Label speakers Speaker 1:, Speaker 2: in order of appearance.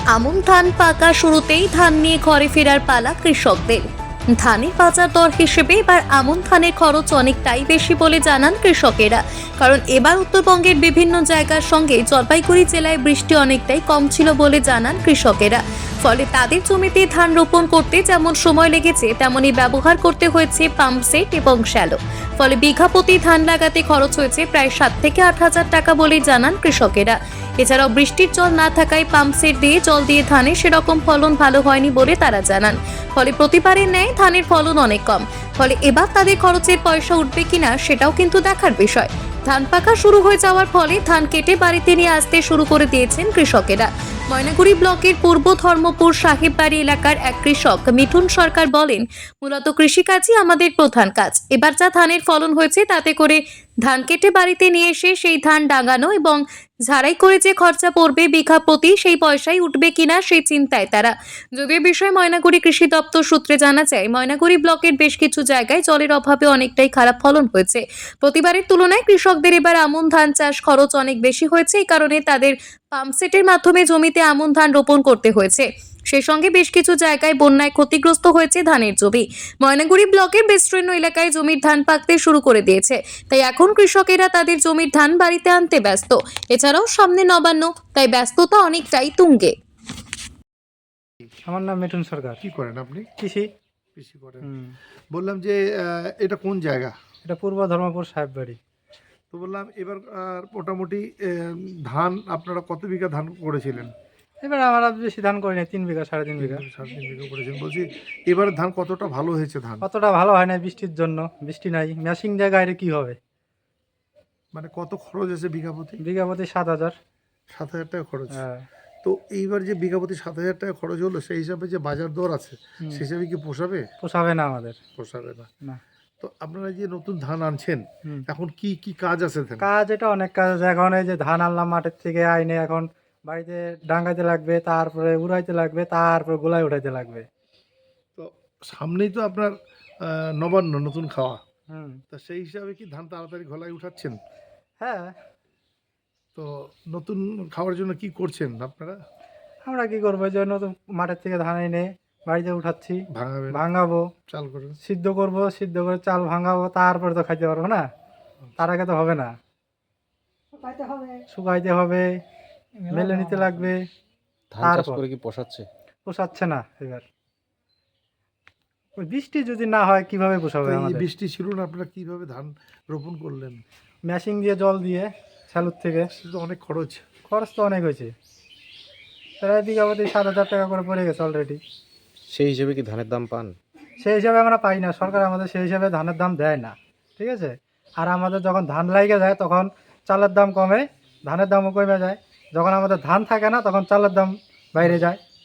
Speaker 1: আমন ধান পাকা শুরুতেই ধান নিয়ে ঘরে ফেরার পালা কৃষকদের। ধানের বাজার দর হিসেবে এবার আমন ধানের খরচ অনেকটাই বেশি বলে জানান কৃষকেরা। কারণ এবার উত্তরবঙ্গের বিভিন্ন জায়গার সঙ্গে জলপাইগুড়ি জেলায় বৃষ্টি অনেকটাই কম ছিল বলে জানান কৃষকেরা। ফলে তাদের জমিতে ধান রোপণ করতে যেমন সময় লেগেছে তেমনি ব্যবহার করতে হয়েছে পাম্প সেট এবং শ্যালো। ফলে বিঘা প্রতি ধান লাগাতে খরচ হয়েছে প্রায় 7 থেকে 8 হাজার টাকা বলে জানান কৃষকেরা। এছাড়াও বৃষ্টির জল না থাকায় পাম্প সেট দিয়ে জল দিয়ে ধানে সেরকম ফলন ভালো হয়নি বলে তারা জানান। ফলে প্রতিবারের ন্যায় ধানের ফলন অনেক কম। ফলে এবার তাদের খরচের পয়সা উঠবে কিনা সেটাও কিন্তু দেখার বিষয়। ধান পাকা শুরু হয়ে যাওয়ার ফলে ধান কেটে বাড়িতে নিয়ে আসতে শুরু করে দিয়েছেন কৃষকেরা। ময়নাগুড়ি ব্লকের পূর্ব ধর্মপুর সাহেববাড়ি এলাকার এক কৃষক মিঠুন সরকার বলেন, মূলত কৃষিকাজই আমাদের প্রধান কাজ। এবার যা ধানের ফলন হয়েছে তাতে করে ধান কেটে বাড়িতে নিয়ে এসে সেই ধান ডাঙানো এবং ঝাড়াই করে যে খরচা পড়বে বিঘা প্রতি সেই পয়সাই উঠবে কিনা সেই চিন্তায় তারা। যদিও বিষয়ে ময়নাগুড়ি কৃষি দপ্তর সূত্রে জানা যায়, ময়নাগুড়ি ব্লকের বেশ কিছু জায়গায় জলের অভাবে অনেকটাই খারাপ ফলন হয়েছে। প্রতিবারের তুলনায় কৃষকদের এবার আমন ধান চাষ খরচ অনেক বেশি হয়েছে। এই কারণে তাদের পাম্পসেটের মাধ্যমে জমিতে আমন ধান রোপণ করতে হয়েছে। সেই সঙ্গে বেশ কিছু জায়গায় বন্যায় ক্ষতিগ্রস্ত হয়েছে ধানের জমি। ময়নাগুড়ি ব্লকের বিস্তীর্ণ এলাকায় জমির ধান পাকতে শুরু করে দিয়েছে, তাই এখন কৃষকেরা তাদের জমির ধান বাড়িতে আনতে ব্যস্ত। এছাড়াও সামনে নবান্ন, তাই ব্যস্ততা অনেকটাই তুঙ্গে।
Speaker 2: আমার নাম মিঠুন সরকার।
Speaker 3: কি করেন আপনি?
Speaker 2: কৃষি।
Speaker 3: কৃষি করেন। বললাম যে এটা কোন জায়গা?
Speaker 2: এটা পূর্ব ধর্মপুর সাহেববাড়ি।
Speaker 3: তো বললাম এবার মোটামুটি ধান আপনারা কত বিঘা ধান করেছিলেন?
Speaker 2: এবার আমরা বেশি ধান করি না, 3 বিঘা 3.5 বিঘা।
Speaker 3: 3.5 বিঘা করেছেন। বলছি এবার ধান কতটা ভালো হয়েছে ধান?
Speaker 2: অতটা ভালো হয় না বৃষ্টির জন্য, বৃষ্টি নাই। ম্যাশিং জায়গায় কি হবে?
Speaker 3: মানে কত খরচ আছে বিঘা প্রতি?
Speaker 2: বিঘা প্রতি 7,000।
Speaker 3: 7,000 টাকা খরচ।
Speaker 2: হ্যাঁ।
Speaker 3: তো এইবার যে বিঘা প্রতি 7,000 টাকা খরচ হলো, সেই হিসাবে যে বাজার দর আছে সেই হিসাবে কি পোষাবে?
Speaker 2: পোষাবে না আমাদের।
Speaker 3: পোষাবে না।
Speaker 2: না।
Speaker 3: তো আপনারা যে নতুন ধান আনছেন, এখন কি কি কাজ আছে?
Speaker 2: কাজ এটা অনেক কাজ আছে। এখন এই যে ধান আনলাম মাঠের থেকে আইনে এখন বাড়িতে ডাঙ্গাইতে লাগবে, তারপরে উড়াইতে লাগবে, তারপরে গোলায় উঠাইতে লাগবে।
Speaker 3: তো সামনেই তো আপনার নবান্ন, নতুন খাওয়া।
Speaker 2: হুম।
Speaker 3: তা সেই হিসাবে কি ধান তাড়াতাড়ি ঘোলায় উঠাচ্ছেন?
Speaker 2: হ্যাঁ।
Speaker 3: তো নতুন খাওয়ার জন্য কি করছেন আপনারা?
Speaker 2: আমরা কি করবো, এই জন্য তো মাঠের থেকে ধান এনে বাড়িতে উঠাচ্ছি,
Speaker 3: ভাঙাবেন,
Speaker 2: ভাঙাবো,
Speaker 3: চাল করে
Speaker 2: সিদ্ধ করবো, সিদ্ধ করে চাল ভাঙাবো, তারপরে তো খাইতে পারবো না। তার আগে তো হবে না, শুকাইতে হবে, মেলে নিতে লাগবে।
Speaker 4: ধান চাষ করে কি
Speaker 2: পোষাচ্ছে না এবার। ওই বৃষ্টি যদি না হয় কিভাবে পোষাবে আমাদের?
Speaker 3: বৃষ্টি ছিল না, আপনারা কিভাবে ধান রোপণ করলেন?
Speaker 2: মেশিন দিয়ে জল দিয়ে স্যালুর থেকে।
Speaker 3: সেটা তো অনেক খরচ।
Speaker 2: খরচ তো অনেক হয়েছে, প্রায় বিঘা প্রতি 7,000 টাকা করে পড়ে গেছে অলরেডি।
Speaker 4: সেই হিসেবে কি ধানের দাম পান?
Speaker 2: সেই হিসাবে আমরা পাই না, সরকার আমাদের সেই হিসাবে ধানের দাম দেয় না, ঠিক আছে। আর আমাদের যখন ধান লাগে যায় তখন চালের দাম কমে, ধানের দামও কমে যায়। যখন আমাদের ধান থাকে না তখন চালের দাম বাইরে যায়।